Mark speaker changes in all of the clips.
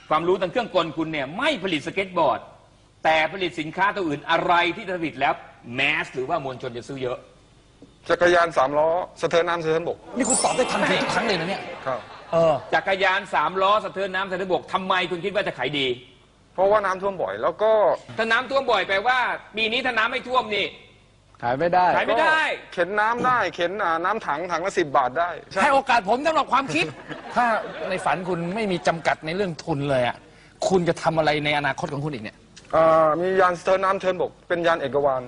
Speaker 1: ความรู้ทางเครื่องกลคุณเนี่ยไม่ผลิตสเก็ตบอร์ดแต่ผลิตสินค้าตัวอื่นอะไรที่ผลิตแล้วแมสหรือว่ามวลชนจะซื้อเยอะ
Speaker 2: จักรยาน3 ล้อสะเทินน้ำสะเทินบก
Speaker 3: นี่คุณตอบได้ทันทีทุกครั้งเลยนะเนี่ย
Speaker 2: ครับ
Speaker 1: จักรยาน3 ล้อสะเทินน้ำสะเทินบกทำไมคุณคิดว่าจะขายดี
Speaker 2: เพราะว่าน้ำท่วมบ่อยแล้วก็
Speaker 1: ถ้าน้ำท่วมบ่อยแปลว่าปีนี้ถ้าน้ำไม่ท่วมนี่
Speaker 3: ขายไม่ได้
Speaker 2: เข็นน้ำได้เข็นน้ำถังละ10 บาทได้
Speaker 3: ให้โอกาสผมสำหรับความคิดถ้าในฝันคุณไม่มีจำกัดในเรื่องทุนเลยอ่ะคุณจะทำอะไรในอนาคตของคุณอีกเนี่ย
Speaker 2: มียานสะเทินน้ำสะเทินบกเป็นยานเอกวาน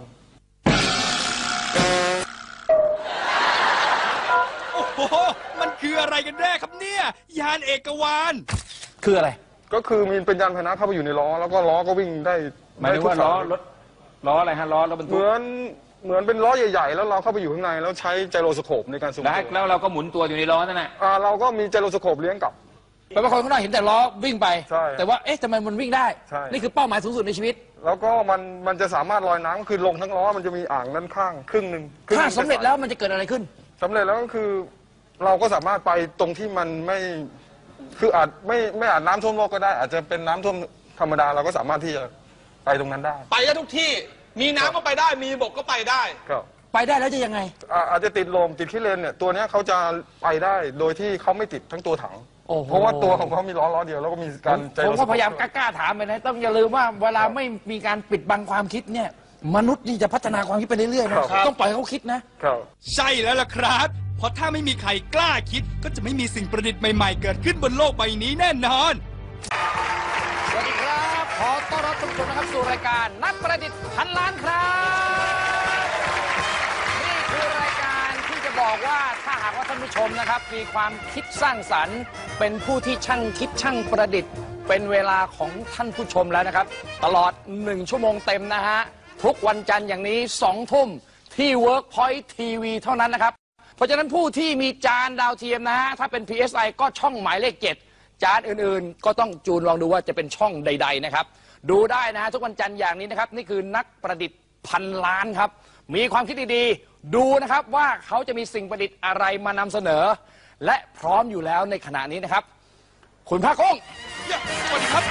Speaker 4: โอ้โหมันคืออะไรกันแน่ครับเนี่ยยานเอกวาน
Speaker 3: คืออะไร
Speaker 2: ก็คือมีเป็นยานพาหนะเข้าไปอยู่ในล้อแล้วก็ล้อก็วิ่งได้
Speaker 1: หมายถึงว่าล้ออะไรฮะล้อบรรทุก
Speaker 2: เหมือนเป็นล้อใหญ่ๆแล้วเราเข้าไปอยู่ข้างในแล้วใช้ไจโรสโคปในการสูงตัว
Speaker 1: แล้วเราก็หมุนตัวอยู่ในล้อนั่นแหละ
Speaker 2: เราก็มีไจโรสโคปเลี้ยงกับ
Speaker 3: แปลว่าคนข้างนอกเห็นแต่ล้อวิ่งไปแต่ว่าทำไมมันวิ่งได้นี่คือเป้าหมายสูงสุดในชีวิต
Speaker 2: แล้วก็มันจะสามารถลอยน้ำคือลงทั้งล้อมันจะมีอ่างด้านข้างครึ่งหนึ่ง
Speaker 3: ถ้าสำเร็จแล้วมันจะเกิดอะไรขึ้น
Speaker 2: สำเร็จแล้วก็คือเราก็สามารถไปตรงที่มันไม่คืออาจไม่อาจน้ำท่วมโลกก็ได้อาจจะเป็นน้ำท่วมธรรมดาเราก็สามารถที่จะไปตรงนั้นได้
Speaker 4: ไปได้ทุกที่มีน้ำก็ไปได้มีบกก็ไปได้
Speaker 2: ครับ
Speaker 3: ไปได้แล้วจะยังไง
Speaker 2: อาจจะติดลมติดขี้เลนเนี่ยตัวนี้เขาจะไปได้โดยที่เขาไม่ติดทั้งตัวถังเพราะว่าตัวของเขามีล้อเดียวแล้วก็มีการ
Speaker 3: ผมก็พยายามกล้าถามไปนะต้องอย่าลืมว่าเวลาไม่มีการปิดบังความคิดเนี่ยมนุษย์นี่จะพัฒนาความคิดไปเรื่อยๆนะต้องปล่อยเขาคิดนะ
Speaker 4: ใช่แล้วล่ะครับเพราะถ้าไม่มีใครกล้าคิดก็จะไม่มีสิ่งประดิษฐ์ใหม่ๆเกิดขึ้นบนโลกใบนี้แน่นอน
Speaker 3: สวัสดีครับขอต้อนรับทุกคนนะครับสู่รายการนักประดิษฐ์พันล้านครับนี่คือรายการที่จะบอกว่าถ้าหากว่าท่านผู้ชมนะครับมีความคิดสร้างสรรค์เป็นผู้ที่ช่างคิดช่างประดิษฐ์เป็นเวลาของท่านผู้ชมแล้วนะครับตลอด1 ชั่วโมงเต็มนะฮะทุกวันจันทร์อย่างนี้2 ทุ่มที่ Workpoint TV เท่านั้นนะครับเพราะฉะนั้นผู้ที่มีจานดาวเทียมนะฮะถ้าเป็น PSI ก็ช่องหมายเลข 7จานอื่นๆก็ต้องจูนลองดูว่าจะเป็นช่องใดๆนะครับดูได้นะฮะทุกวันจันทร์อย่างนี้นะครับนี่คือนักประดิษฐ์พันล้านครับมีความคิดดีๆดูนะครับว่าเขาจะมีสิ่งประดิษฐ์อะไรมานำเสนอและพร้อมอยู่แล้วในขณะนี้นะครับคุณภาคกุ้ง
Speaker 4: สวัสดีครับ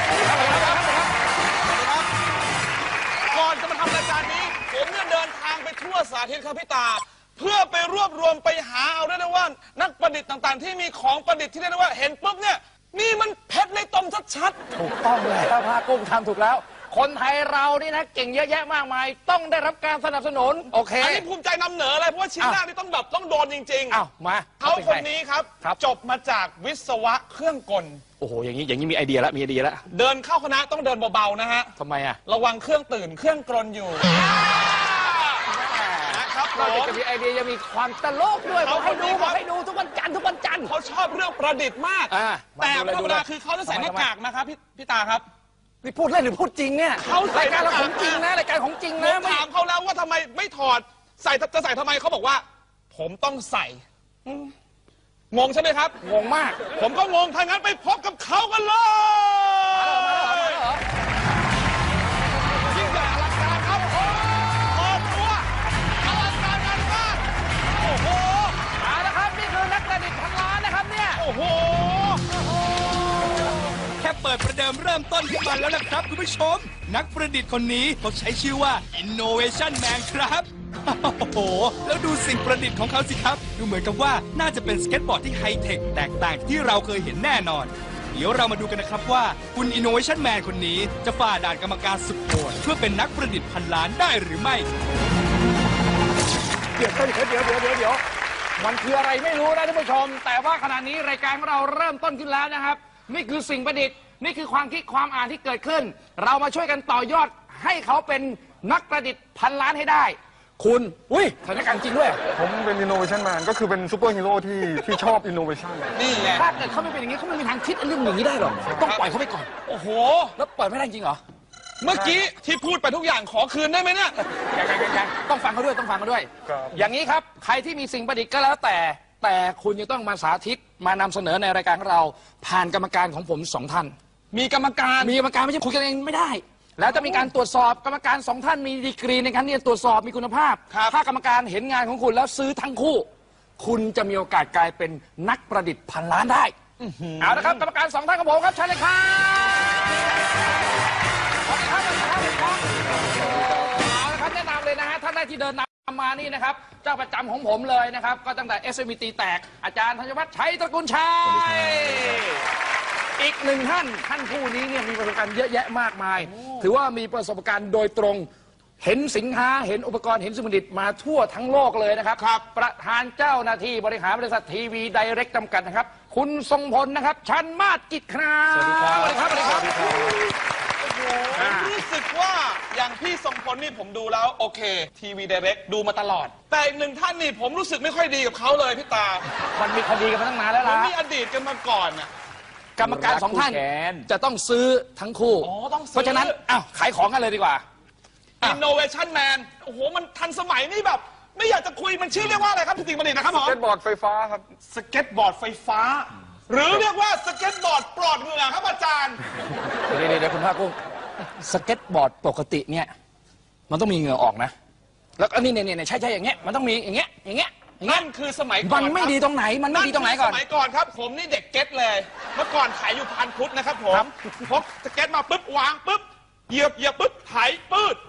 Speaker 4: ก่อนจะมาทำรายการนี้ผมเนี่ยเดินทางไปทั่วสาธิตครับพี่ตาเพื่อไปรวบรวมไปหาเอาได้นะว่านักประดิษฐ์ต่างๆที่มีของประดิษฐ์ที่ได้นะว่าเห็นปุ๊บเนี่ยนี่มันเพชรในตมชัด
Speaker 3: ๆถูกต้องแล้วภาคกุ้งทำถูกแล้วคนไทยเรานี่นะเก่งเยอะแยะมากมายต้องได้รับการสนับสนุนโอเค
Speaker 4: อันนี้ภูมิใจนำเหนอเลยเพราะว่าชิ้นหน้านี่ต้องโดนจริงๆ
Speaker 3: อ้าวมา
Speaker 4: เขาคนนี้ครับจบมาจากวิศวะเครื่องกล
Speaker 3: โอ้โหอย่างนี้มีไอเดียแล้ว
Speaker 4: เดินเข้าคณะต้องเดินเบาๆนะฮะ
Speaker 3: ทำไมอะ
Speaker 4: ระวังเครื่องตื่นเครื่องกลอยู่
Speaker 3: นอกจากจะมีไอเดียยังมีความตลกด้วยบอกให้ดูทุกวันจันทร์
Speaker 4: เขาชอบเรื่องประดิษฐ์มากแต่ธรรมดาคือเขาจะใส่หน้ากากนะครับพี่ตาครับ
Speaker 3: นี่พูดเล่นหรือพูดจริงเนี่ย
Speaker 4: เขา
Speaker 3: รายการเราของจริงนะรายการของจริงนะ
Speaker 4: ถามเขาแล้วว่าทำไมไม่ถอดจะใส่ทำไมเขาบอกว่าผมต้องใส่งงใช่ไหมครับ
Speaker 3: งงมาก
Speaker 4: ผมก็งงถ้างั้นไปพบกับเขากันเลยแค่เปิดประเดิมเริ่มต้นขึ้นมาแล้วนะครับคุณผู้ชมนักประดิษฐ์คนนี้เขาใช้ชื่อว่า Innovation Man ครับโอ้โหแล้วดูสิ่งประดิษฐ์ของเขาสิครับดูเหมือนกับว่าน่าจะเป็นสเก็ตบอร์ดที่ไฮเทคแตกต่างจากที่เราเคยเห็นแน่นอนเดี๋ยวเรามาดูกันนะครับว่าคุณ Innovation Man คนนี้จะฝ่าด่านกรรมการสุดโหดเพื่อเป็นนักประดิษฐ์พันล้านได้หรือไม่
Speaker 3: เดี๋ยวมันคืออะไรไม่รู้นะท่านผู้ชมแต่ว่าขณะนี้รายการของเราเริ่มต้นขึ้นแล้วนะครับนี่คือสิ่งประดิษฐ์นี่คือความคิดความอ่านที่เกิดขึ้นเรามาช่วยกันต่อยอดให้เขาเป็นนักประดิษฐ์พันล้านให้ได้คุณสถานการณ์จริงด้วย
Speaker 2: ผมเป็น Innovation Man ก็คือเป็นซูเปอร์ฮีโร่ที่ชอบ Innovation
Speaker 3: นี่ไงถ้าเกิดเขาไม่เป็นอย่างนี้เขาไม่มีทางคิดเรื่องอย่างนี้ได้หรอกต้องปล่อยเขาไปก่อน
Speaker 4: โอ้โห
Speaker 3: แล้วปล่อยไม่ได้จริงเหรอ
Speaker 4: เมื่อกี้ที่พูดไปทุกอย่างขอคืนได้ไหมเนี่ย
Speaker 3: ยังต้องฟังเขาด้วยอย่างนี้ครับใครที่มีสิ่งประดิษฐ์ก็แล้วแต่คุณจะต้องมาสาธิตมานำเสนอในรายการของเราผ่านกรรมการของผม2 ท่าน
Speaker 4: มีกรรมการ
Speaker 3: ไม่ใช่คุยกันเองไม่ได้แล้วจะมีการตรวจสอบกรรมการ2 ท่านมีดีกรีในการที่จะตรวจสอบมีคุณภาพถ้ากรรมการเห็นงานของคุณแล้วซื้อทั้งคู่คุณจะมีโอกาสกลายเป็นนักประดิษฐ์พันล้านได้เอาละครับกรรมการ2 ท่านของผมครับเชิญเลยครับแรกที่เดินนำมานี่นะครับเจ้าประจำของผมเลยนะครับก็ตั้งแต่ SMT แตกอาจารย์ธัญวัฒน์ชัยตระกูลชัยอีกหนึ่งท่านผู้นี้เนี่ยมีประสบการณ์เยอะแยะมากมาย ถือว่ามีประสบการณ์โดยตรงเห็นสินค้าเห็นอุปกรณ์เห็นสิ่งประดิษฐ์มาทั่วทั้งโลกเลยนะครับประธานเจ้าหน้าที่บริหารบริษัททีวีไดเรกจำกัดนะครับคุณทรงพลนะครับชันมาศกิจครับสวัสดีครับสวัสดีครับ
Speaker 5: ผมรู้สึกว่าอย่างพี่ทรงพลนี่ผมดูแล้วโอเคทีวีไดเรกดูมาตลอด แต่อีกหนึ่งท่านนี่ผมรู้สึกไม่ค่อยดีกับเขาเลยพี่ตา
Speaker 3: มันมีคดีกันมาตั้งนานแล้ว
Speaker 5: ผม
Speaker 3: ล่ะ
Speaker 5: มีอดีตกันมาก่อนน่ะ
Speaker 3: กรรมการสองท่าน
Speaker 1: คู่แขน
Speaker 3: จะต้องซื้อทั้งคู่
Speaker 5: อ๋อต้องซื้อ
Speaker 3: เพราะฉะนั้นอ้าวขายของกันเลยดีกว่า
Speaker 5: Innovation Man โอ้โหมันทันสมัยนี่แบบ ไม่อยากจะคุยมันชื่อเรียกว่าอะไรครับพี่ติ๋งบัณฑิตนะครับผม
Speaker 2: สเก็ตบอร์ดไฟฟ้าครับ
Speaker 5: สเก็ตบอร์ดไฟฟ้า หรือเรียกว่าสเก็ตบอร์ดปลอดเหงื่อครับอาจารย์
Speaker 3: เดี๋ยวคุณภาคกุ้งสเก็ตบอร์ดปกติเนี่ยมันต้องมีเหงื่อออกนะแล้วก็นี่ใช่อย่างเงี้ยมันต้องมีอย่างเงี้ย
Speaker 5: นั่นคือสมัยก่อน
Speaker 3: มันไม่ดีตรงไหนมันไม่ดีตรงไหนก่อน
Speaker 5: สมัยก่อนครับ ผมนี่เด็กเก็ตเลย เมื่อก่อนขายอยู่พันพุทธนะครับผมพกสเก็ตมาปุ๊บวางปุ๊บเหยียบปุ๊บไถปืด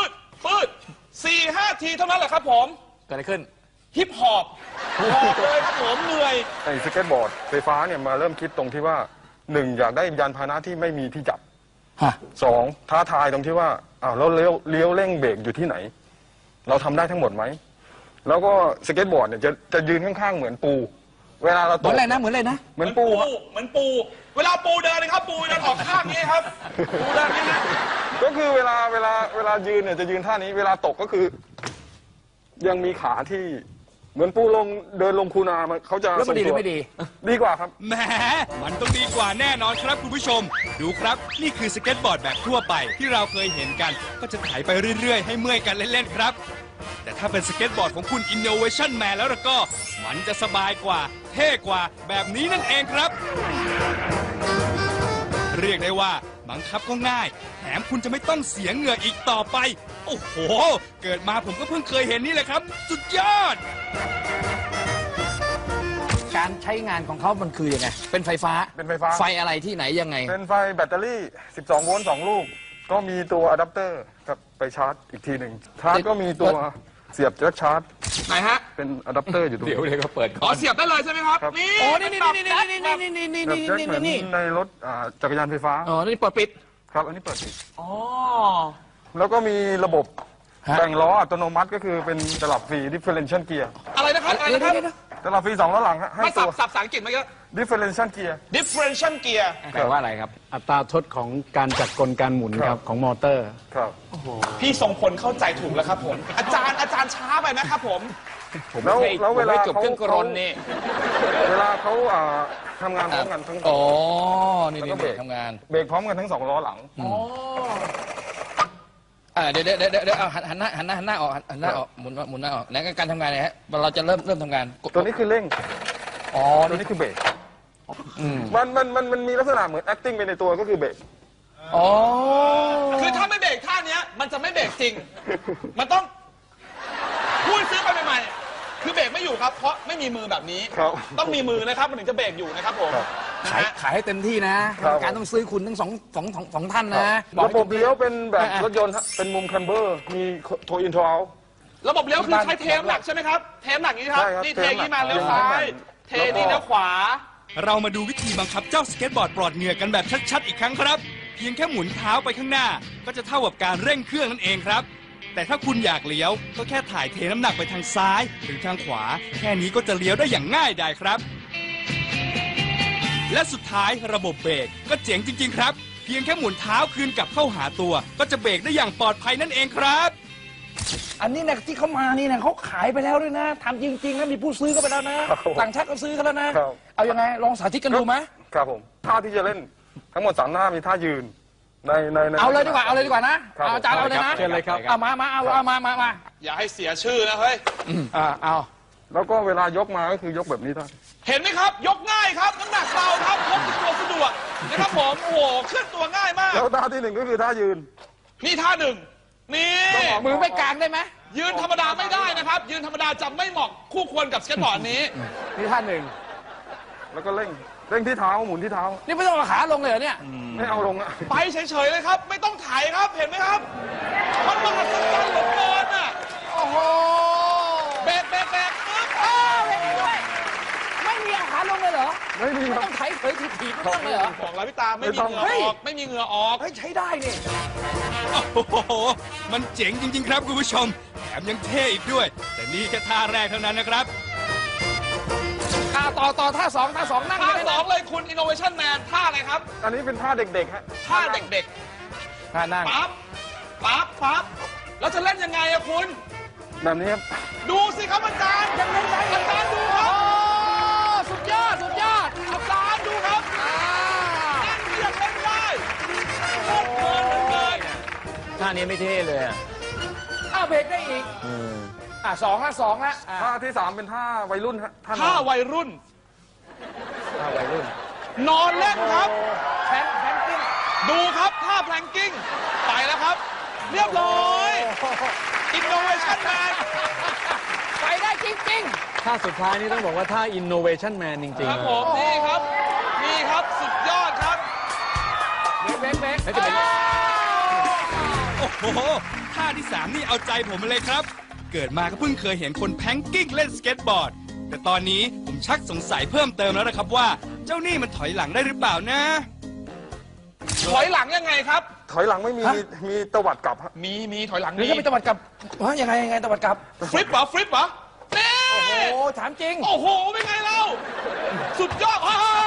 Speaker 5: 4-5 ทีเท่านั้นแหละครับผม
Speaker 3: เกิดอะไรขึ้น
Speaker 5: ฮิปฮอปบอกเลยครับผมเหนื่อย
Speaker 2: ไอ้สเก็ตบอร์ดไฟฟ้าเนี่ยมาเริ่มคิดตรงที่ว่าหนึ่งอยากได้ยานพาหนะที่ไม่มีที่จับ
Speaker 3: ฮะ
Speaker 2: สองท้าทายตรงที่ว่าอ้าวแล้วเลี้ยวเร่งเบรกอยู่ที่ไหน เราทำได้ทั้งหมดไหมแล้วก็สเก็ตบอร์ดเนี่ยจะยืนข้างๆเหมือนปู เวลาเรา
Speaker 3: เห
Speaker 2: ต
Speaker 3: มือก นอะไรนะเหมือนอะไรนะ
Speaker 2: เหมือนปูครับ
Speaker 5: เหมือนปู เวลาปูเดินนะครับปูเดินออกข้างนี้ครับปูเดินนี่นะ
Speaker 2: ก็คือเวลายืนเนี่ยจะยืนท่านี้เวลาตกก็คือ ยังมีขาที่เหมือนปูเดินลงคูนามันเขาจะ
Speaker 3: แล้วมันดีหรือไม่ดี
Speaker 2: ดีกว่าครับ
Speaker 4: แหมมันต้องดีกว่าแน่นอนครับคุณผู้ชม ดูครับ นี่คือสเก็ตบอร์ดแบบทั่วไปที่เราเคยเห็นกัน ก็จะไถไปเรื่อยๆ ให้เมื่อยกันเล่นๆครับ แต่ถ้าเป็นสเก็ตบอร์ดของคุณ Innovation Man แล้วก็ มันจะสบายกว่า เท่กว่าแบบนี้นั่นเองครับ เรียกได้ว่าบังคับก็ง่าย แถมคุณจะไม่ต้องเสียเหงื่ออีกต่อไป โอ้โห เกิดมาผมก็เพิ่งเคยเห็นนี่แหละครับ สุดยอด
Speaker 3: การใช้งานของเขามันคือยังไงเป็นไฟฟ้า
Speaker 2: เป็นไฟฟ้า
Speaker 3: ไฟอะไรที่ไหนยังไง
Speaker 2: เป็นไฟแบตเตอรี่ 12 โวลต์ 2 ลูก ก็มีตัวอะแดปเตอร์กับไปชาร์จอีกทีหนึ่งชาร์จก็มีตัวเสียบแจ็คชาร์จ
Speaker 5: ไหนฮะ
Speaker 2: เป็นอะแดปเตอร์อยู่ตรง
Speaker 1: เดี๋ยว
Speaker 2: นี้
Speaker 1: เขาเปิด
Speaker 5: อ๋
Speaker 1: ก่
Speaker 5: อ
Speaker 1: อน
Speaker 5: เสียบได้เลยใช่ไหมครับ
Speaker 2: ครับ
Speaker 5: นี่
Speaker 3: โอ้นี่
Speaker 5: แบบแจ็คแบบ
Speaker 2: แบบแจ็คเหมือนในรถจักรยานไฟฟ้า
Speaker 3: อ๋อนี่เปิดปิด
Speaker 2: ครับ อันนี้เปิดปิด
Speaker 5: อ๋อ
Speaker 2: แล้วก็มีระบบ
Speaker 3: ฮะ
Speaker 2: แบ่งล้ออัตโนมัติก็คือเป็นตลับฟรี differential gear
Speaker 5: อะไรนะครับอะไรนะครับ
Speaker 2: ตลับฟรี2ล้อหลังฮะให้
Speaker 5: มา
Speaker 2: ตั
Speaker 5: สับ
Speaker 2: ว
Speaker 5: ภาษาอังกฤษมาเยอะ
Speaker 2: differential gear
Speaker 5: differential gear
Speaker 1: แปลว่าอะไรครับ
Speaker 6: อัตราทดของการจัดกลการหมุน
Speaker 2: ค
Speaker 6: ค
Speaker 2: รั
Speaker 6: รับ บของมอเตอร์
Speaker 2: ครับ
Speaker 5: พี่ทรงพลเข้าใจถูกแล้วครับผม อาจารย์ช้าไปนะครับผม
Speaker 2: แล้วเวลา
Speaker 1: จบเครื่องกรนนี่
Speaker 2: เวลาเขาทำงานพร้อมกันทั้ง
Speaker 3: อ๋อนี่
Speaker 2: แล้วก็เบรก
Speaker 3: ทำงาน
Speaker 2: เบรกพร้อมกันทั้ง2ล้อหลัง
Speaker 3: เดี๋ยวเอาหันหน้าออกหันหน้าออกหมุนหน้าออกแล้วการทำงานเนี่ยฮะเราจะเริ่มทำงาน
Speaker 2: ตัวนี้คือเร่ง
Speaker 3: อ๋อ
Speaker 2: ตัว
Speaker 3: นี่
Speaker 2: นี้คือเบรกมันมีลักษณะเหมือน acting ไปในตัวก็คือเบรก
Speaker 3: อ๋อ
Speaker 5: คือถ้าไม่เบรกท่าเนี้ยมันจะไม่เบรกจริง มันต้องพูดซื้อไปใหม่ๆคือเบรกไม่อยู่ครับ เพราะไม่มีมือแบบนี้
Speaker 2: ครับ
Speaker 5: ต้องมีมือนะครับมันถึงจะเบรกอยู่นะครับผมนะ
Speaker 3: ขาย
Speaker 5: ฮะ
Speaker 3: ขายให้เต็มที่นะครับ การต้องซื้อคุณทั้งสองท่านนะ
Speaker 2: ระบบเลี้ยวเป็นแบบรถยนต์ฮะเป็นมุมคัมเบอร์ มีโทอินโทเอา
Speaker 5: ระบบเลี้ยวคือใช้เทมหนักใช่ไหมครับ เทมหนักนี้ครับ
Speaker 2: ใช่ครับ
Speaker 5: นี่เทอย่างนี้มา
Speaker 2: เทมหนัก
Speaker 5: เลี้ยวซ้าย เทนี่เลี้ยวขวา
Speaker 4: เรามาดูวิธีบังคับเจ้าสเก็ตบอร์ดปลอดเหงื่อกันแบบชัดๆอีกครั้งครับ เพียงแค่หมุนเท้าไปข้างหน้า ก็จะเท่ากับการเร่งเครื่องนั่นเองครับ แต่ถ้าคุณอยากเลี้ยวก็แค่ถ่ายเทน้ำหนักไปทางซ้ายหรือทางขวา แค่นี้ก็จะเลี้ยวได้อย่างง่ายดายครับ และสุดท้ายระบบเบรกก็เจ๋งจริงๆครับ เพียงแค่หมุนเท้าคืนกลับเข้าหาตัว ก็จะเบรกได้อย่างปลอดภัยนั่นเองครับ
Speaker 3: อันนี้นะที่เขามานี่นะเขาขายไปแล้วด้วยนะทำจริงๆนะมีผู้ซื้อก็ไปแล้วนะครับ ต่างชาติก็ซื้อกันแล้วนะครับ เอายังไงลองสาธิตกันดูไหม
Speaker 2: ครับผม ท่าที่จะเล่นทั้งหมด3หน้ามีท่ายืน ใน
Speaker 3: เอาเลยดีกว่านะครับ เอาอาจารย์เอาเลยนะ
Speaker 1: เชิญเลยครับ
Speaker 3: เอามา
Speaker 5: อย่าให้เสียชื่อนะเฮ้ย
Speaker 3: เอา
Speaker 2: แล้วก็เวลายกมาก็คือยกแบบนี้ท่าน
Speaker 5: เห็นไหมครับ ยกง่ายครับน้ำหนักเบาครับพกติดตัวสะดวกนะครับผมโอ้โหเคลื่อนตัวง่ายมาก
Speaker 2: แล้วท่าที่1ก็คือท่ายืน
Speaker 5: นี่ท่าหนึ่งนี่
Speaker 3: มือไม่กลางได้ไหม
Speaker 5: ยืนธรรมดาไม่ได้นะครับ ยืนธรรมดาจะไม่เหมาะคู่ควรกับสเก็ตบอร์ดนี้
Speaker 3: นี่ท่านหนึ่ง
Speaker 2: แล้วก็เร่งที่เท้าหมุนที่เท้า
Speaker 3: นี่ไม่ต้องเอาขาลงเลยเหรอเนี่ย
Speaker 2: ไม่เอาลงอะ
Speaker 5: ไปเฉยๆเลยครับ ไม่ต้องไถครับเห็นไหมครับมันมหัศจรรย์เหลือเกินอ่ะ
Speaker 3: โอ้โหโห
Speaker 5: เบรกปึ๊บ
Speaker 3: เบรกด้วยไม่มีอาหารลงเลยเหรอ
Speaker 2: ไม่มีครับ
Speaker 3: ต้องไถเผยถีบๆต้องเลยเหรอ
Speaker 5: บอกแล้วพี่ตาไม่มีเหงื่อออกไม่มีเหงื่อออก
Speaker 3: เฮ้ยใช้ได้นี่
Speaker 4: โอ้โห มันเจ๋งจริง ๆ ครับคุณผู้ชม แถมยังเท่อีกด้วย แต่นี่แค่ท่าแรกเท่านั้นนะครับ
Speaker 3: ต่อท่าสองนั่ง
Speaker 5: ท่า
Speaker 3: ได้
Speaker 5: สองเลยคุณ Innovation Man ท่าอะไรครับ
Speaker 2: อันนี้เป็นท่าเด็กๆฮะ
Speaker 5: ท่าเด็ก
Speaker 3: ท่านั่ง
Speaker 5: ๆปั๊บแล้วจะเล่นยังไงอะคุณ
Speaker 2: แบบนี้ครับ
Speaker 5: ดูสิครับอาจารย์ยังเล่นได้อาจารย์ดูค
Speaker 3: โอ้
Speaker 5: รับ
Speaker 3: สุดยอด
Speaker 5: อาจารย์ดูครับนั่นยังเล่นได้โคตรเพลินเลย
Speaker 1: ท่านี้ไม่เท่เลยอะ
Speaker 3: เบรกได้อีกสองละ
Speaker 2: ท่าที่3เป็นท่าวัยรุ่นฮะท่าน
Speaker 5: ท่าวัยรุ่น
Speaker 3: ท่าวัยรุ่น
Speaker 5: นอนเล่นครับ
Speaker 3: แพนกิ้ง
Speaker 5: ดูครับท่าแพลงกิ้งไปแล้วครับ เรียบร้อย Innovation Man
Speaker 3: ไปได้จริง
Speaker 6: ท่าสุดท้ายนี่ต้องบอกว่าท่า innovation man จริง
Speaker 5: ครับผมนี่ครับสุดยอดครับ
Speaker 3: ๆเบรก
Speaker 1: แล้วจะเป็น
Speaker 4: โอ้โห ท่าที่ 3 นี่เอาใจผมมาเลยครับ เกิดมาก็เพิ่งเคยเห็นคนแพงกิ้งเล่นสเก็ตบอร์ด แต่ตอนนี้ผมชักสงสัยเพิ่มเติมแล้วนะครับว่า เจ้านี่มันถอยหลังได้หรือเปล่านะ
Speaker 5: ถอยหลังยังไงครับ
Speaker 2: ถอยหลังไม่มีมีตวัดกลับฮะ
Speaker 5: มีถอยหลัง
Speaker 3: หรือ
Speaker 5: มี
Speaker 3: จะไปตะวัดกลับยังไงตะวัดกลับ
Speaker 5: ฟลิปเหรอนี่
Speaker 3: โอ้โหถามจริง
Speaker 5: โอ้โหเป็นไงเราสุดยอด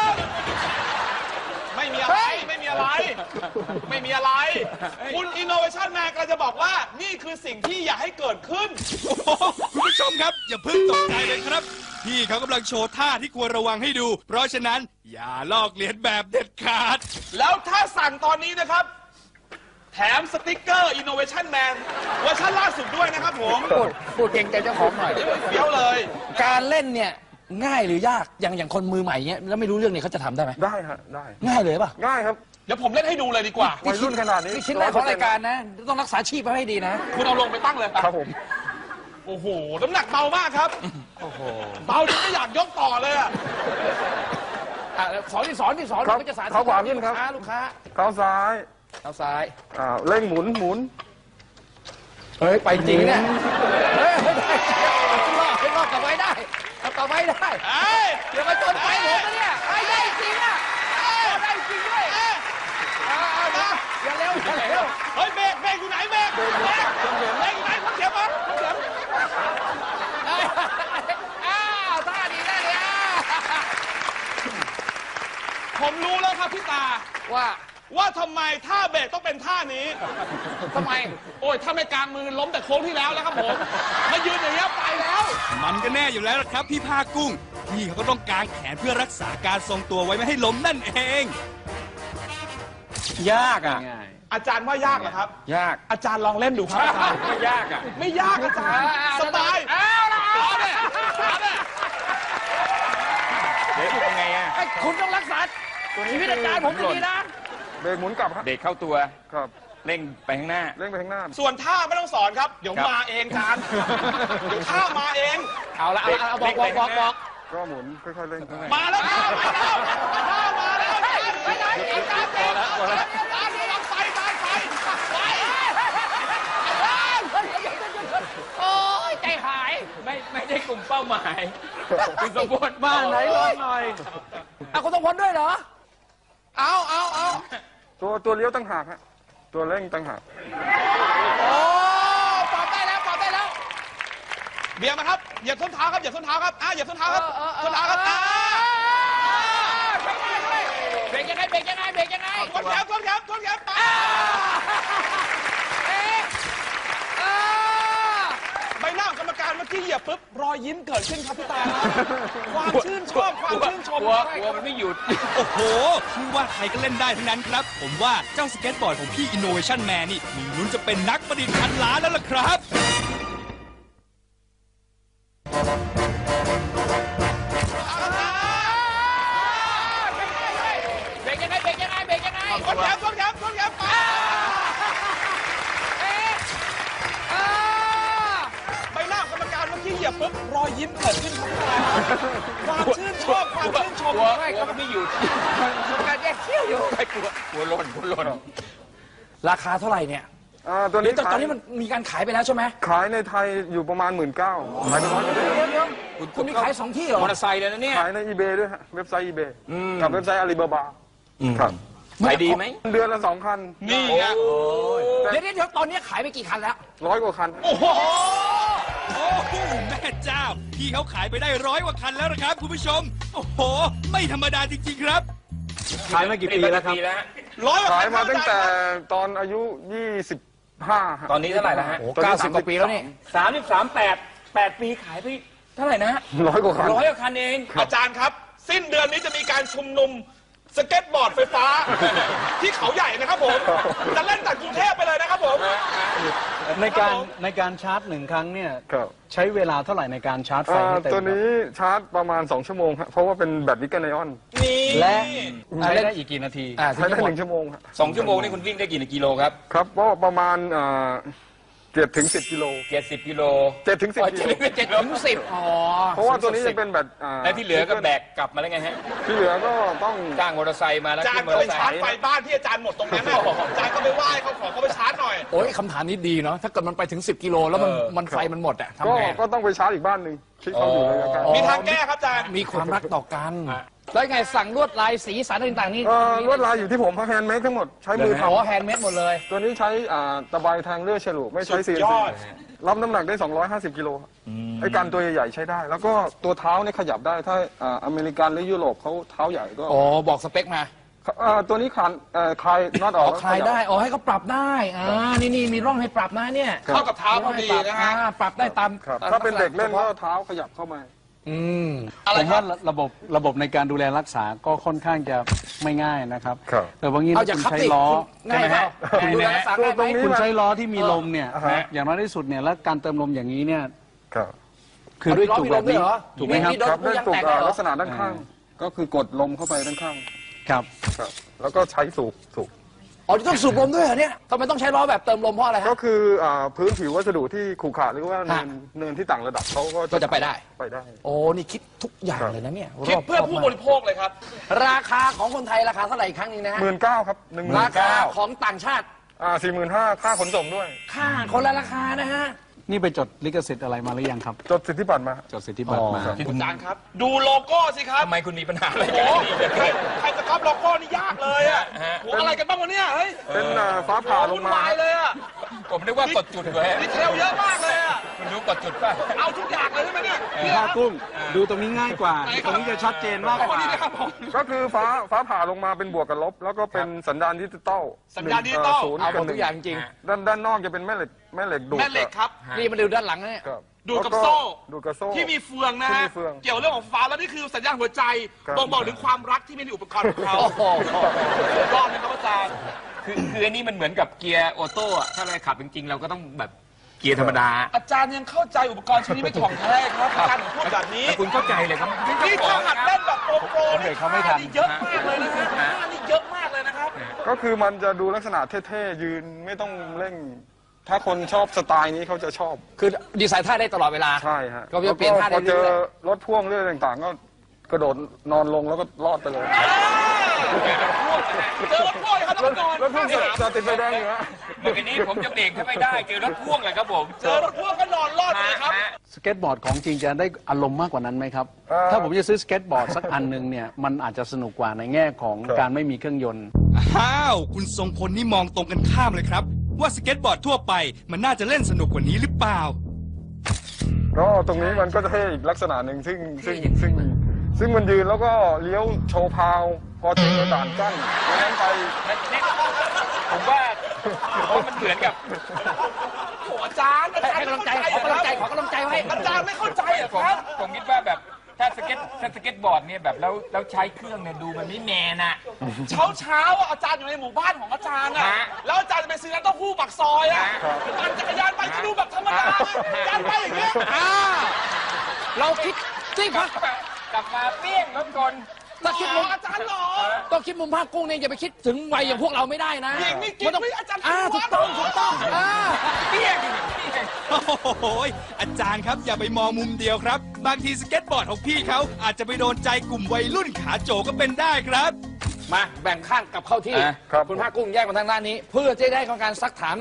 Speaker 5: ไม่มีอะไรไม่มีอะไร คุณ Innovation Man กำลังจะบอกว่านี่คือสิ่งที่อยากให้เกิดขึ้น
Speaker 4: โอ้โหคุณผู้ชมครับ อย่าเพิ่งตกใจเลยครับ พี่เขากำลังโชว์ท่าที่ควรระวังให้ดู เพราะฉะนั้นอย่าลอกเลียนแบบเด็ดขาด
Speaker 5: แล้วถ้าสั่งตอนนี้นะครับ แถมสติ๊กเกอร์ Innovation Man เวอร์ชันล่าสุดด้วยนะครับผม
Speaker 3: พูดเก่งใจเจ้าของหน่อย
Speaker 5: เฟี้ยวเลย
Speaker 3: การเล่นเนี่ยง่ายหรือยากอย่างคนมือใหม่เนี้ยแล้วไม่รู้เรื่องเนี่ยเขาจะทำได้ไหม
Speaker 2: ได้ฮะได้
Speaker 3: ง่ายเลยป่ะ
Speaker 2: ง่ายครับ
Speaker 5: เดี๋ยวผมเล่นให้ดูเลยดีกว่า
Speaker 2: วัยรุ่นขนาดนี้
Speaker 3: นี่ชิ้นแรกของรายการนะ ต้องรักษาชีพไว้ให้ดีนะ
Speaker 5: คุณเอาลงไปตั้งเลย
Speaker 2: ครับผม
Speaker 5: โอ้โห น้ำหนักเบามากครับ เบาจนไม่อยากยกต่อเลยอะ
Speaker 3: สอน
Speaker 2: ครับ
Speaker 3: ก็จะสาธิต
Speaker 2: เท้าขวาขึ้นครับ
Speaker 3: ลูกค้า
Speaker 2: เท้าซ้าย
Speaker 3: เท้าซ้าย
Speaker 2: เร่งหมุน
Speaker 3: เฮ้ย ไปจริงเนี่ย เฮ้ยได้รอดกลับไว้ได้กลับไว้ได้
Speaker 5: เอ้ย
Speaker 3: เดี๋ยวมาจนไปผมนะเนี่ยไปได้จริงอ่ะได้จริงด้วยอย่าเร็ว
Speaker 5: เฮ้ยเบรกอยู่ไหนเบรกอยู่ไหนพักเสียบมาพักเสียบ
Speaker 3: ท่าดีท่าดี
Speaker 5: ผมรู้แล้วครับพี่ตา
Speaker 3: ว่า
Speaker 5: ทำไมท่าเบรกต้องเป็นท่านี้
Speaker 3: ทำไม
Speaker 5: โอ้ยถ้าไม่กลางมือล้มแต่โค้งที่แล้วแล้วครับผมมายืนอย่างเงี้ยไปแล้ว
Speaker 4: มันก็แน่อยู่แล้วล่ะครับพี่ผ้ากุ้ง พี่เขาก็ต้องกางแขนเพื่อรักษาการทรงตัวไว้ไม่ให้ล้มนั่นเอง
Speaker 1: ยากอ่ะ
Speaker 6: ง่าย
Speaker 5: อาจารย์ว่ายากเหรอครับ
Speaker 1: ยาก
Speaker 5: อาจารย์ลองเล่นดูครับอาจารย์
Speaker 1: ไม่ยากอ่ะ
Speaker 5: ไม่ยากอาจารย์สบาย
Speaker 3: เอาละ
Speaker 5: เอาเนี่ยเอาเนี่ย
Speaker 1: เดี๋ยวเป็นไงอ่ะ
Speaker 3: ไอ้คุณต้องรักษาชีวิตอาจารย์ผมดีๆนะ
Speaker 2: เบรกหมุนกลับฮะ
Speaker 1: เด็กเข้าตัว
Speaker 2: ครับ
Speaker 1: เร่งไปข้างหน้า
Speaker 2: เร่งไปข้างหน้า
Speaker 5: ส่วนท่าไม่ต้องสอนครับ เดี๋ยว
Speaker 1: ครับ
Speaker 5: มาเองอาจารย์เดี๋ยวท่ามาเอง
Speaker 3: เอาละเอาบอก
Speaker 2: ก็หมุนค่อยๆเร่ง
Speaker 5: มาแล้วท่ามาแล้วท่ามาแล้ว
Speaker 3: ไปไหนอีกการเต้น
Speaker 5: อาจารย์ไป
Speaker 3: โอ้ยใจหาย
Speaker 1: ไม่ได้กลุ่มเป้าหมายคุณสมบูรณ์
Speaker 6: บ้านไหนลองหน่อย
Speaker 3: คุณต้องพ้นด้วยเหรอ เอา
Speaker 2: ตัวเลี้ยวตั้งหากฮะตัวเร่งตั้งหาก
Speaker 3: โอ้ปรับได้แล้ว
Speaker 5: เบียร์มาครับเหยียบส้นเท้าครับเหยียบส้นเท้าครับเหยียบส้นเท้าครับส้นเท้าครับ
Speaker 3: เบรกยังไง
Speaker 5: ทวนแขนไปใบหน้าของกรรมการเมื่อกี้เหยียบปุ๊บรอยยิ้มเกิดขึ้นครับพี่ตาความชื่นชอบความชื่นชม
Speaker 1: กลัวมันไม่หยุด
Speaker 4: โอ้โหคือว่าใครก็เล่นได้ทั้งนั้นครับ ผมว่าเจ้าสเก็ตบอร์ดของพี่ Innovation Man นี่มีลุ้นจะเป็นนักประดิษฐ์พันล้านแล้วล่ะครับ
Speaker 3: เบรกยังไง
Speaker 5: ทวนแขนไปใบหน้าของกรรมการเมื่อกี้เหยียบปุ๊บรอยยิ้มเกิดขึ้นครับพี่ตาความชื่นชอบความชื่นชม
Speaker 1: กลัวมันไม่หยุด
Speaker 3: การแยกเขี้ยวอยู่
Speaker 1: ไม่กลัวหล่น
Speaker 3: ราคาเท่าไหร่เนี่ย
Speaker 2: ตัวนี้
Speaker 3: ตอนนี้มันมีการขายไปแล้วใช่ไหม
Speaker 2: ขายในไทยอยู่ประมาณ 19,000ขายไป100กว่าเดือน
Speaker 3: เดี๋ยวคุณมีขาย2 ที่เหรอ
Speaker 1: มอเตอร์ไซค์เลยนะเนี่ย
Speaker 2: ขายใน eBay ด้วยฮะเว็บไซต์ eBay กับเว็บไซต์ Alibaba ครับ
Speaker 1: ขายดีไหม
Speaker 2: เดือนละ2 คัน
Speaker 5: นี่ไง
Speaker 3: เดี๋ยวตอนนี้ขายไปกี่คันแล้ว
Speaker 2: 100 กว่าคัน
Speaker 4: โอ้โหแม่เจ้า พี่เขาขายไปได้100 กว่าคันแล้วนะครับคุณผู้ชม โอ้โห ไม่ธรรมดาจริงๆครับ
Speaker 6: ขายมากี่ปีแล้วครับ
Speaker 5: ร้อยกว่า
Speaker 2: ขาย
Speaker 5: คัน
Speaker 2: มาตั้งแต่ตอนอายุ 25ฮะ
Speaker 1: ตอนนี้เท่าไหร่แล้วฮะ
Speaker 3: โอ้90 กว่าปีแล้วนี่
Speaker 1: 8 ปีขายไปเท่าไหร่นะฮะ
Speaker 2: 100 กว่าคัน
Speaker 1: 100 กว่าคันเอง
Speaker 5: อาจารย์ครับ สิ้นเดือนนี้จะมีการชุมนุมสเก็ตบอร์ดไฟฟ้า ที่เขาใหญ่นะครับผมจะเล่นจากกรุงเทพไปเลยนะครับผม
Speaker 6: ในการชาร์จ1 ครั้งเนี่ย
Speaker 2: ครับ
Speaker 6: ใช้เวลาเท่าไหร่ในการชาร์จไฟให้เต็ม
Speaker 2: ตัวนี้ชาร์จประมาณ2 ชั่วโมงครับเพราะว่าเป็นแบตนิกเกิลไอออน
Speaker 5: นี่
Speaker 6: และใช้ได้อีกกี่นาที
Speaker 2: ใช้ได้1 ชั่วโมงครับ
Speaker 1: 2 ชั่วโมงนี่คุณวิ่งได้กี่กิโลครับ
Speaker 2: ครับก็ประมาณ7 ถึง 10 กิโล
Speaker 1: 70 กิโล
Speaker 2: 7 ถึง 10 กิโล
Speaker 3: 7 ถึง 10อ๋อ
Speaker 2: เพราะว่าตัวนี้จะเป็นแบต
Speaker 1: และที่เหลือก็แบกกลับมาแล้วไงฮะ
Speaker 2: ที่เหลือก็ต้อง
Speaker 1: จ้างมอเตอร์ไซค์มาแล้ว
Speaker 5: อาจาร
Speaker 1: ขึ้
Speaker 5: ย์
Speaker 1: นมอ
Speaker 5: ก็
Speaker 1: เต
Speaker 5: ไป
Speaker 1: อร์ไซ
Speaker 5: ชาร์จ
Speaker 1: ค์
Speaker 5: ไฟบ้านที่อาจารย์หมดตรงนั้นน่ะอาจารย์ก็ไปไหว้เขาขอเขาไปชาร์จหน่อย
Speaker 3: โอ้ยคำถามนี้ดีเนาะถ้าเกิดมันไปถึง 10 กิโลแล้วมันไฟมันหมดอะทำไง
Speaker 2: ก็ต้องไปชาร์จอีกบ้านหนึ่งที่เขาอยู่ในอาการ
Speaker 5: มีทางแก้ครับอาจารย์
Speaker 3: มีความรักต่อกัน แล้วไงสั่งลวดลายสีสันต่างๆนี่
Speaker 2: ลวดลายอยู่ที่ผมเพราะแฮนด์เมดทั้งหมดใช้มือ
Speaker 3: อ๋อ
Speaker 2: ทำ
Speaker 3: แฮนด์เมดหมดเลย
Speaker 2: ตัวนี้ใช้ตะไบแทงเลื่อยฉลุไม่ใช้
Speaker 5: สุด
Speaker 2: CNC
Speaker 5: ยอด
Speaker 2: รับน้ำหนักได้ 250 กิโลไอ้การตัวใหญ่ๆใช้ได้ แล้วก็ตัวเท้าเนี่ยขยับได้ถ้าอเมริกันหรือยุโรปเขาเท้าใหญ่ก็
Speaker 3: อ๋อ บอกสเปคมา
Speaker 2: ตัวนี้คลายน็อตอ
Speaker 3: อ๋
Speaker 2: อ
Speaker 3: อก คลายได้ อ๋อ ให้เขาปรับได้ นี่มีร่องให้ปรับนะเนี่ย
Speaker 5: เข้ากับเท้าพอดีนะฮะ
Speaker 3: ปรับได้ตาม
Speaker 2: ครับถ้าเป็นเด็กเล่นก็เท้าขยับเข้ามา
Speaker 3: อืม
Speaker 6: ผมว่าระบบในการดูแลรักษาก็ค่อนข้างจะไม่ง่ายนะครับ
Speaker 2: ครับ
Speaker 6: แต่บางที
Speaker 3: เอา
Speaker 6: ถ้า
Speaker 3: จาก
Speaker 6: คุณ
Speaker 3: ขับ
Speaker 6: ใช้
Speaker 3: ติ
Speaker 6: ล้อ
Speaker 3: ง่ายไหม
Speaker 1: คุณ
Speaker 3: ดู
Speaker 1: นะ
Speaker 3: แลรักษาง่ายไหม
Speaker 2: ตรงนี้
Speaker 6: คุณใช้ล้อที่มีลมเนี่ย
Speaker 2: อ่าฮะ
Speaker 6: อย่างน้อยที่สุดเนี่ยแล้วการเติมลมอย่างนี้เนี่ย
Speaker 2: ครับ
Speaker 6: คือด้วยจุกแบบนี้
Speaker 3: มีลมด้วยเหรอ
Speaker 6: ถูกไหมครับ
Speaker 3: มีโดน
Speaker 2: ครับด้วย
Speaker 3: ยาง
Speaker 2: ตุก
Speaker 3: แตกเลยเหรอ
Speaker 2: ลักษณะด้านข้าง ก็คือกดลมเข้าไปด้านข้าง
Speaker 6: ครับ
Speaker 2: ครับแล้วก็ใช้สูบ
Speaker 3: อ๋อต้องสูบลมด้วยเหรอเนี่ยทำไมต้องใช้ล้อแบบเติมลมเพราะอะไร
Speaker 2: ก็
Speaker 3: ฮะ
Speaker 2: คือพื้นผิววัสดุที่ขรุขระหรือว่า
Speaker 3: ฮะ
Speaker 2: เนินที่ต่างระดับเขาก็
Speaker 3: ก็จะไปได้
Speaker 2: ไปได้
Speaker 3: โอ้ นี่คิดทุกอย่างเลยนะเนี่ย
Speaker 5: คิดเพื่อ
Speaker 3: รบ
Speaker 5: ผู้
Speaker 3: มาก
Speaker 5: บริโภคเลยครับ
Speaker 3: ราคาของคนไทยราคาเท่าไหร่อีกครั้งหนึงนะฮะ
Speaker 2: 19,000ครับ
Speaker 3: ราคา
Speaker 2: 19,000
Speaker 3: ของต่างชาติ
Speaker 2: 45,000ค่าขนส่งด้วย
Speaker 3: ค่าคนละราคานะฮะ
Speaker 6: นี่ไปจดลิขสิทธิ์อะไรมาหรือยังครับ
Speaker 2: จดสิทธิบัตรมา
Speaker 6: จดสิทธิบัตรมา
Speaker 5: อาจารย์ครับ ดูโลโก้สิครับ
Speaker 1: ทำไมคุณมีปัญหาอะไร
Speaker 5: โอ้
Speaker 1: กัน
Speaker 5: โหใครจะก๊อปโลโก้นี่ยากเลยอ่ะโหอะไรกันบ้างวะเนี่ยเฮ้ย
Speaker 2: เป็นฟ้าผ่าล
Speaker 5: วุ่
Speaker 2: ง
Speaker 5: น
Speaker 2: มาว
Speaker 5: ายเลยอ่ะ
Speaker 1: ผมนึกว่ากดจุดเลย
Speaker 5: ดีเทลเยอะมากเลยอ่ะ
Speaker 1: คุณรู้กดจุดป่ะ
Speaker 5: เอาทุกอย่างเลยใช่ไหมเนี่ยเนี่ย
Speaker 6: ผ้ากุ้ง ดูตรงนี้ง่ายกว่า
Speaker 5: ไหนครับ
Speaker 6: ตรงนี้จะชัดเจนมากก
Speaker 5: คน
Speaker 6: ว่า
Speaker 5: นี้นะครับผม
Speaker 2: ก็คือฟ้าผ่าลงมาเป็นบวกกับลบ แล้วก็เป็นสัญญาณดิจิตอล
Speaker 5: สัญญาณดิจิตอล
Speaker 2: ศูนย์
Speaker 3: เอาหม
Speaker 2: กั
Speaker 3: ด
Speaker 2: บห
Speaker 3: ทุ
Speaker 2: นึ่
Speaker 3: กอย่างจริง
Speaker 2: ด้านนอกจะเป็นแม่เหล็กดูด
Speaker 5: แม่เหล็กครับ
Speaker 3: นี่มาดูด้านหลังนะเนี่ย
Speaker 2: ครับ
Speaker 5: ดูดกับ
Speaker 2: แล้ว
Speaker 5: โซ่
Speaker 2: ดูดกับโซ่
Speaker 5: ที่มีเฟืองนะ
Speaker 2: ที่
Speaker 5: ฮะ
Speaker 2: มีเฟือง
Speaker 5: เกี่ยวเรื่องของฟ้าแล้วนี่คือสัญญาณหัวใจ
Speaker 2: ครับ
Speaker 5: บ่งบอกถึงความรักที่มีในอุปกรณ์ของเขา
Speaker 3: โอ้โห
Speaker 5: รอบนะครับอาจารย์
Speaker 1: คืออันนี้มันเหมือนกับเกียร์ออโต้อะถ้าเราขับจริงๆ เราก็ต้องแบบเกียร์ธรรมดา
Speaker 5: อาจารย์ยังเข้าใจอุปกรณ์ชิ้นนี้ไม่ถ่องแท้ครับอาจารย์ถึงพูดแบบนี้
Speaker 1: แต่คุณเข้าใจเลยครับ
Speaker 5: นี่ถ้าหัดเล่นแบบโปรนี่
Speaker 6: เขาไม่ทัน
Speaker 5: นี่เยอะมากเลยนะครับท่านี่เยอะมากเลยนะครับ
Speaker 2: ก็คือมันจะดูลักษณะเท่ๆยืนไม่ต้องเร่ง ถ้าคนชอบสไตล์นี้เขาจะชอบ
Speaker 3: คือดีไซน์ท่าได้ตลอดเวลา
Speaker 2: ใช่ฮะ
Speaker 3: ก็จะเปลี่ยนท่าได้
Speaker 2: พอเจอ
Speaker 3: เรื่อย
Speaker 2: รถพ่วงเรื่องต่างๆ ก็กระโดดนอนลงแล้วก็รอดไปเลย
Speaker 5: เจอรถพ่วงครับต้องนอน
Speaker 2: รถพ่วงจอดติดไฟแดงอยู่ฮะ
Speaker 1: เมื่อกี้นี้ผมจะเบรกถ้าไม่ได้เจอรถพ่วงเลยครับผม
Speaker 5: เจอรถพ่วงก็นอนรอดเลยครับ
Speaker 6: สเก็ตบอร์ดของจริงจะได้อารมณ์มากกว่านั้นไหมครับ ถ้าผมจะซื้อสเก็ตบอร์ดสักอันหนึ่งเนี่ยมันอาจจะสนุกกว่าในแง่ของการไม่มีเครื่องยนต์
Speaker 4: อ้าว คุณทรงพลนี่มองตรงกันข้ามเลยครับ ว่าสเก็ตบอร์ดทั่วไปมันน่าจะเล่นสนุกกว่านี้หรือเปล่า
Speaker 2: ก็ตรงนี้มันก็จะเท่อีกลักษณะหนึ่งซึ่งมันยืนแล้วก็เลี้ยวโชว์พาว พอเจอด่านกั้นนั้นไป
Speaker 1: ผมว่ามันเหมือนกับ
Speaker 5: โอ้อาจารย์อาจารย์
Speaker 3: ให้กำลังใจขอกำลังใจขอกำลังใจไว้
Speaker 5: อาจารย์ไม่เข้าใจเหรอ
Speaker 1: ผม
Speaker 5: ครับ
Speaker 1: ผมคิดว่าแบบถ้าสเก็ตบอร์ดเนี่ยแบบแล้วใช้เครื่องเนี่ยดูมันไม่แมนอะ
Speaker 5: เช้าอ่ะอาจารย์อยู่ในหมู่บ้านของอาจารย์อ่ะ
Speaker 1: ฮะ
Speaker 5: แล้วอาจารย์จะไปซื้อน้ำเต้าหู้ปากซอยอ่ะปั่นจักรยานไปก็ดูแบบธรรมดาอาจารย์ไปอย่างเงี้ย
Speaker 3: เราคิดที่พัก
Speaker 1: กลับมาเปี้ยงรถกล
Speaker 3: ถ้าคิดมุม
Speaker 5: อาจารย์หรอ
Speaker 3: ต้องคิดมุมภาคกุ้งเนี่ยอย่าไปคิดถึงวัยอย่างพวกเราไม่ได้นะ
Speaker 5: หญิงนี่กิน
Speaker 3: มันต้อง
Speaker 5: ไม่อาจารย์
Speaker 3: ถูกต้องถูกต้อง
Speaker 1: เปี้ยง
Speaker 4: โอ้โหอาจารย์ครับอย่าไปมองมุมเดียวครับ บางทีสเก็ตบอร์ดของพี่เขาอาจจะไปโดนใจกลุ่มวัยรุ่นขาโจก็เป็นได้ครับ
Speaker 3: มาแบ่งข้างกลับเข้าที่
Speaker 2: ครับ
Speaker 3: คุณภาคกุ้งแยกมาทางด้านนี้ เพื่อจะได้ของการซักถาม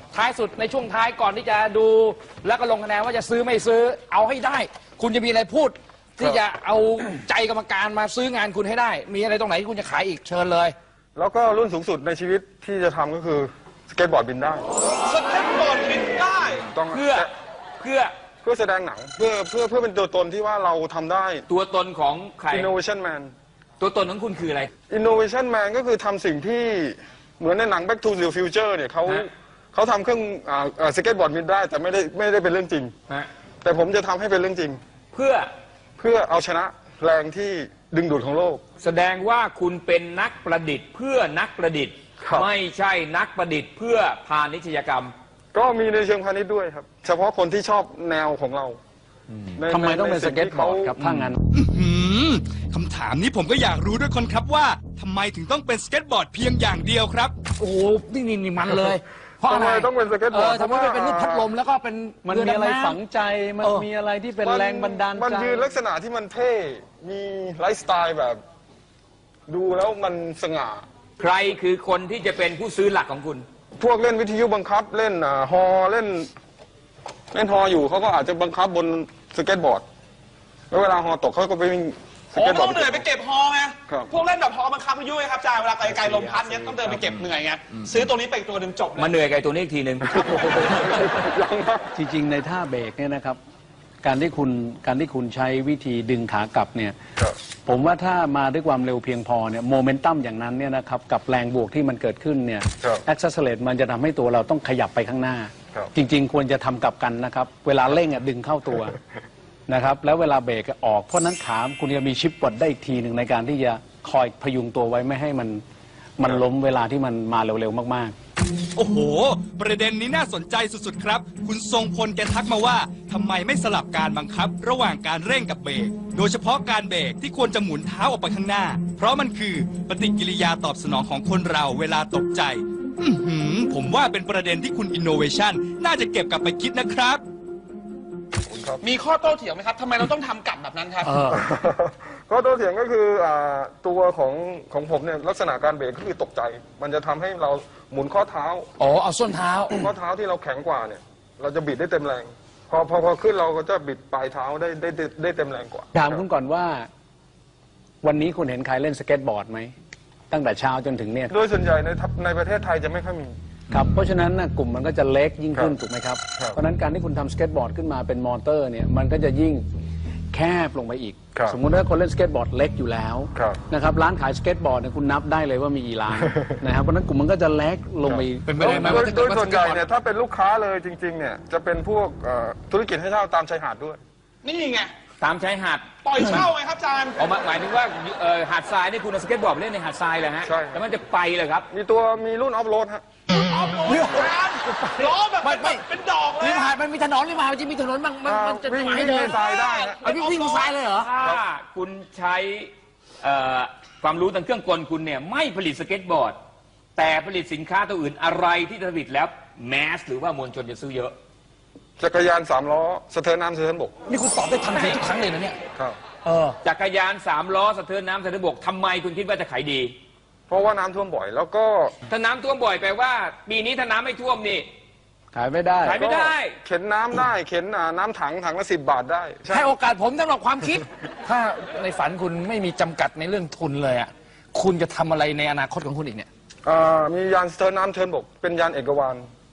Speaker 3: ท้ายสุดในช่วงท้ายก่อนที่จะดูแล้วก็ลงคะแนนว่าจะซื้อไม่ซื้อเอาให้ได้ คุณจะมีอะไรพูด ที่จะเอาใจกรรมการมาซื้องานคุณให้ได้ มีอะไรตรงไหนที่คุณจะขายอีกเชิญเลย
Speaker 2: แล้วก็รุ่นสูงสุดในชีวิตที่จะทำก็คือสเก็ตบอร์ดบินได้
Speaker 5: สเก็ตบอร์ดบินได้
Speaker 2: ต้อง
Speaker 1: เพื่อ
Speaker 2: แสดงหนังเพื่อเป็นตัวตนที่ว่าเราทำได้
Speaker 1: ตัวตนของใคร
Speaker 2: Innovation Man
Speaker 1: ตัวตนของคุณคืออะไร
Speaker 2: Innovation Man ก็คือทำสิ่งที่เหมือนในหนัง Back to the Future เนี่ยเขาทำเครื่องสเก็ตบอร์ดบินได้แต่ไม่ได้เป็นเรื่องจริง
Speaker 1: ฮะ
Speaker 2: แต่ผมจะทำให้เป็นเรื่องจริง
Speaker 1: เพื่อ
Speaker 2: เอาชนะแรงที่ดึงดูดของโลก
Speaker 1: แสดงว่าคุณเป็นนักประดิษฐ์เพื่อนักประดิษฐ์
Speaker 2: ครับ
Speaker 1: ไม่ใช่นักประดิษฐ์เพื่อพาณิชยกรรม
Speaker 2: ก็มีในเชิงพาณิชย์ด้วยครับ เฉพาะคนที่ชอบแนวของเราใน
Speaker 6: ทำไมต้องเป็น
Speaker 2: ใน
Speaker 6: ส
Speaker 2: สิ่
Speaker 6: เก็ต
Speaker 2: ที่
Speaker 6: บอ
Speaker 2: ขา
Speaker 6: ร์ดครับถ้างั้น
Speaker 4: คำถามนี้ผมก็อยากรู้ด้วยคนครับว่าทำไมถึงต้องเป็นสเก็ตบอร์ดเพียงอย่างเดียวครับ
Speaker 3: โอ้โหนี่มันเลย เพราะอะไร
Speaker 2: ทำไมต้องเป็นสเก็ตบอร์ด
Speaker 3: ทำไมไม่เป็นรูปพัดลมแล้วก็เป็น
Speaker 6: มัน
Speaker 3: เรือ
Speaker 6: มีอะไร
Speaker 3: ดำน้ำ
Speaker 6: ฝังใจ มันมีอะไรที่เป็นแรงบันดาล
Speaker 2: มัน
Speaker 6: ใจ
Speaker 2: ยืนลักษณะที่มันเท่ มีไลฟ์สไตล์แบบ ดูแล้วมันสง่า
Speaker 1: ใครคือคนที่จะเป็นผู้ซื้อหลักของคุณ
Speaker 2: พวกเล่นวิทยุบังคับเล่นฮอเล่นฮออยู่เขาก็อาจจะบังคับบนสเก็ตบอร์ด แล้วเวลาฮอตกเขาก็ไปวิ่งส
Speaker 5: โอ้
Speaker 2: เก็ตบอ
Speaker 5: ต้
Speaker 2: ร์
Speaker 5: อ
Speaker 2: ด
Speaker 5: งเหนื่อยไปเก็บฮอไง
Speaker 2: ครับ
Speaker 5: พวกเล่นแบบฮอบังคับพายุไงครับอาจารย์เวลาไกลๆลมพัดเนี้ยต้องเดินไปเก็บเหนื่อยไงซื้อตัวนี้ไปอีกตัวหนึ่งจบเลย
Speaker 1: มาเหนื่อยกับไอ้ตัวนี้อีกทีหนึ่ง
Speaker 6: จริงๆในท่าเบรกเนี่ยนะครับ การที่คุณใช้วิธีดึงขากลับเนี่ย
Speaker 2: ครับ
Speaker 6: ผมว่าถ้ามาด้วยความเร็วเพียงพอเนี่ยโมเมนตัมอย่างนั้นเนี่ยนะครับกับแรงบวกที่มันเกิดขึ้นเนี่ย
Speaker 2: ครับ
Speaker 6: แอคเซสเลตมันจะทำให้ตัวเราต้องขยับไปข้างหน้า
Speaker 2: ครับ
Speaker 6: จริงๆ ควรจะทำกลับกันนะครับ เวลาเร่งดึงเข้าตัวนะครับแล้วเวลาเบรกออกเพราะนั้นขาคุณจะมีชิปกดได้อีกทีหนึ่งในการที่จะคอยพยุงตัวไว้ไม่ให้มันล้มเวลาที่มันมาเร็วๆมากๆ
Speaker 4: โอ้โห ประเด็นนี้น่าสนใจสุดๆครับ คุณทรงพลแกทักมาว่าทำไมไม่สลับการบังคับ ระหว่างการเร่งกับเบรก โดยเฉพาะการเบรกที่ควรจะหมุนเท้าออกไปข้างหน้า เพราะมันคือปฏิกิริยาตอบสนองของคนเราเวลาตกใจ ผมว่าเป็นประเด็นที่คุณ Innovation น่าจะเก็บกลับไปคิดนะครับ
Speaker 5: มีข้อโต้เถียงไหมครับทำไมเราต้องทำกลับแบบนั้นครับ
Speaker 2: ก็ตัวเถียงก็คือตัวของผมเนี่ยลักษณะการเบรกก็คือตกใจ มันจะทำให้เราหมุนข้อเท้า
Speaker 3: อ๋อเอาส้นเท้า
Speaker 2: ข้อเท้าที่เราแข็งกว่าเนี่ยเราจะบิดได้เต็มแรง พอขึ้นเราก็จะบิดปลายเท้าได้เต็มแรงกว่า
Speaker 6: ถามคุณก่อนว่า วันนี้คุณเห็นใครเล่นสเก็ตบอร์ดไหมตั้งแต่เช้าจนถึงเนี่ย
Speaker 2: โดยส่วนใหญ่ในประเทศไทยจะไม่ค่อยมี
Speaker 6: ครับเพราะฉะนั้นกลุ่มมันก็จะเล็กยิ่งขึ้น
Speaker 2: ครับ
Speaker 6: ถูกไหมครับ
Speaker 2: ครับ
Speaker 6: เพราะฉะนั้นการที่คุณทำสเก็ตบอร์ดขึ้นมาเป็นมอเตอร์เนี่ยมันก็จะยิ่งแคบลงไปอีก
Speaker 2: ครับ
Speaker 6: สมมุติว่าคนเล่นสเก็ตบอร์ดเล็กอยู่แล้ว
Speaker 2: ครับ
Speaker 6: นะครับร้านขายสเก็ตบอร์ดเนี่ยคุณนับได้เลยว่ามีกี่ร้าน นะครับเพราะฉะนั้นกลุ่มมันก็จะเล็กลงไปอีก
Speaker 3: เป็นไปได้ไหมว่าถ้า
Speaker 2: โด
Speaker 3: เกิด
Speaker 2: ย
Speaker 3: ว่า
Speaker 2: ส่วนใหญ่
Speaker 3: สเก็ตบอร์ด
Speaker 2: เนี่ยถ้าเป็นลูกค้าเลยจริงๆเนี่ยจะเป็นพวกธุรกิจให้เช่าตามชายหาดด้วย
Speaker 5: นี่ไง
Speaker 1: ตามชายหาด
Speaker 5: ปล่อยเช่าไงครับอาจารย์
Speaker 1: เอาหมายถึงว่าหาดทรายนี่คุณเอาสเก็ตบอร์ดไปเล่นในหาดทรายเลยฮะ
Speaker 2: ใช่
Speaker 1: แล้วมันจะไปเลยครับ
Speaker 2: มีรุ่นออฟโรดฮะ
Speaker 5: เอาโอ้ยอาจารย์ล้อแบบ
Speaker 3: ไม่
Speaker 5: เป็นดอกเลย
Speaker 3: ริม
Speaker 5: อะ
Speaker 3: หาดมันมีถนนริมหาดมันจะมีถนนมันจะ
Speaker 2: วิ่ง
Speaker 3: ให้
Speaker 2: วิ่ง
Speaker 3: เดิ
Speaker 2: ใน
Speaker 3: น
Speaker 2: ทรายได้ฮะ
Speaker 3: เอาวิ่งทรายเลยเหรอ
Speaker 1: ถ้าคุณใช้ความรู้ทางเครื่องกลคุณเนี่ยไม่ผลิตสเก็ตบอร์ด แต่ผลิตสินค้าตัวอื่นอะไรที่ผลิตแล้วแมสหรือว่ามวลชนจะซื้อเยอะ
Speaker 2: จักรยาน3 ล้อสะเทินน้ำสะเทินบก
Speaker 3: นี่คุณตอบได้ทันทีทุกครั้งเลยนะเนี่ย
Speaker 2: ครับ
Speaker 1: จักรยาน3 ล้อสะเทินน้ำสะเทินบกทำไมคุณคิดว่าจะขายดี
Speaker 2: เพราะว่าน้ำท่วมบ่อย แล้วก็
Speaker 1: ถ้าน้ำท่วมบ่อยแปลว่า ปีนี้ถ้าน้ำไม่ท่วมนี่
Speaker 6: ขายไม่ได้
Speaker 1: ขายไม่ได้
Speaker 2: เข็นน้ำได้เข็นน้ำถังละ10 บาทได้ใช่
Speaker 3: ให้โอกาสผมสำหรับความคิด ถ้าในฝันคุณไม่มีจำกัดในเรื่องทุนเลยอ่ะคุณจะทำอะไรในอนาคตของคุณอีกเนี่ย
Speaker 2: มียานสะเทินน้ำสะเทินบกเป็นยานเอกวาน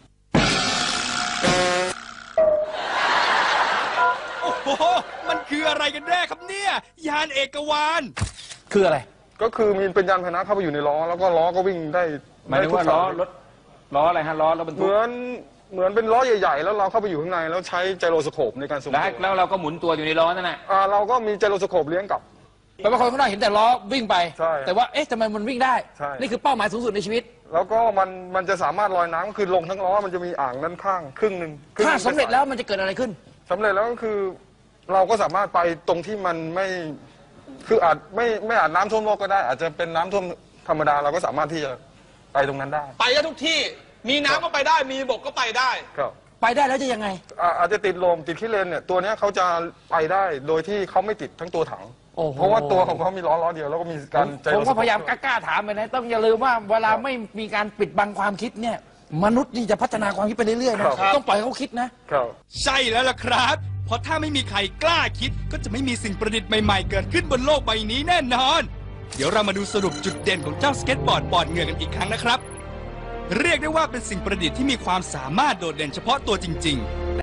Speaker 4: โอ้โห มันคืออะไรกันแน่ครับเนี่ย ยานเอกวาน
Speaker 3: คืออะไร
Speaker 2: ก็คือมีเป็นยานพาหนะเข้าไปอยู่ในล้อแล้วก็ล้อก็วิ่งได้
Speaker 1: หมายถึงว่า
Speaker 2: ได้ทุก
Speaker 1: ล้อ
Speaker 2: สย
Speaker 1: รถล้ออะไรฮะล้อรถบรร
Speaker 2: เห
Speaker 1: ทุก
Speaker 2: มือนเป็นล้อใหญ่ๆ แล้วเราเข้าไปอยู่ข้างในแล้วใช้ไจโรสโคปในการทรงตัว
Speaker 1: แล้วเราก็หมุนตัวอยู่ในล้อนั่นแหละ
Speaker 2: เราก็มีไจโรสโคปเลี้ยงกลับ
Speaker 3: แปลว่าคนข้างนอกเห็นแต่ล้อวิ่งไป
Speaker 2: ใช่
Speaker 3: แต่ว่าเอ๊ะทำไมมันวิ่งได้
Speaker 2: ใช่
Speaker 3: นี่คือเป้าหมายสูงสุดในชีวิต
Speaker 2: แล้วก็มันจะสามารถลอยน้ำคือลงทั้งล้อมันจะมีอ่างด้านข้างครึ่งหนึ่ง
Speaker 3: ถ้าสำเร็จแล้วมันจะเกิดอะไรขึ้น
Speaker 2: สำเร็จแล้วก็คือเราก็สามารถไปตรงที่มันไม่คืออาจไม่อาจน้ำท่วมโลกก็ได้ อาจจะเป็นน้ำท่วมธรรมดาเราก็สามารถที่จะไปตรงนั้นได้
Speaker 5: ไปได้ทุกที่ มีน้ำก็ไปได้ มีบกก็ไปได้
Speaker 2: ครับ
Speaker 3: ไปได้แล้วจะยังไง
Speaker 2: อาจจะติดลมติดขี้เลนเนี่ยตัวเนี้ยเขาจะไปได้โดยที่เขาไม่ติดทั้งตัวถัง
Speaker 3: โอ้โห
Speaker 2: เพราะว่าตัวของเขามีล้อเดียวแล้วก็มีการ
Speaker 3: ผมก็พยายามกล้าๆถามไปนะต้องอย่าลืมว่าเวลาไม่มีการปิดบังความคิดเนี่ยมนุษย์นี่จะพัฒนาความคิดไปเรื่อยๆนะครับ ต้องปล่อยให้เขาคิดนะ
Speaker 2: ครับ
Speaker 4: ใช่แล้วล่ะครับ เพราะถ้าไม่มีใครกล้าคิดก็จะไม่มีสิ่งประดิษฐ์ใหม่ๆเกิดขึ้นบนโลกใบนี้แน่นอน เดี๋ยวเรามาดูสรุปจุดเด่นของเจ้าสเก็ตบอร์ดปอดเหงื่อกันอีกครั้งนะครับ เรียกได้ว่าเป็นสิ่งประดิษฐ์ที่มีความสามารถโดดเด่นเฉพาะตัวจริงๆ